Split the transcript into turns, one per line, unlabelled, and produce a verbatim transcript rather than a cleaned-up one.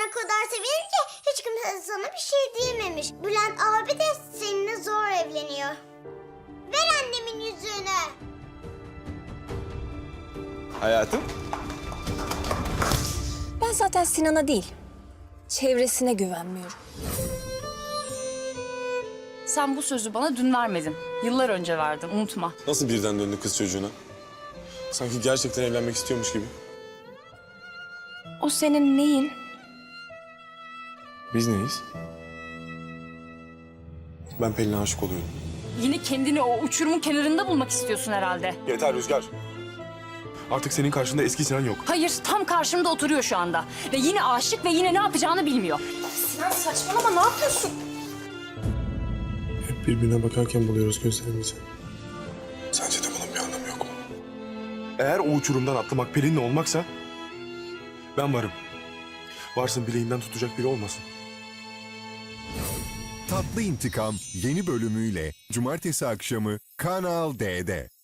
o kadar sevinince hiç kimse sana bir şey diyememiş. Bülent abi de seninle zor evleniyor. Ver annemin yüzüğünü.
Hayatım.
Ben zaten Sinan'a değil, çevresine güvenmiyorum.
Sen bu sözü bana dün vermedin. Yıllar önce verdin, unutma.
Nasıl birden döndü kız çocuğuna? Sanki gerçekten evlenmek istiyormuş gibi.
O senin neyin?
Biz neyiz? Ben Pelin'e aşık oluyorum.
Yine kendini o uçurumun kenarında bulmak istiyorsun herhalde.
Yeter Rüzgar. Artık senin karşında eski Sinan yok.
Hayır, tam karşımda oturuyor şu anda. Ve yine aşık ve yine ne yapacağını bilmiyor.
Sinan saçmalama, ne yapıyorsun?
Hep birbirine bakarken buluyoruz gözlerimizi. Sence de bunun bir anlamı yok mu? Eğer o uçurumdan atlamak Pelin'le olmaksa... ben varım. Varsın bileğinden tutacak biri olmasın.
Tatlı İntikam yeni bölümüyle Cumartesi akşamı Kanal D'de.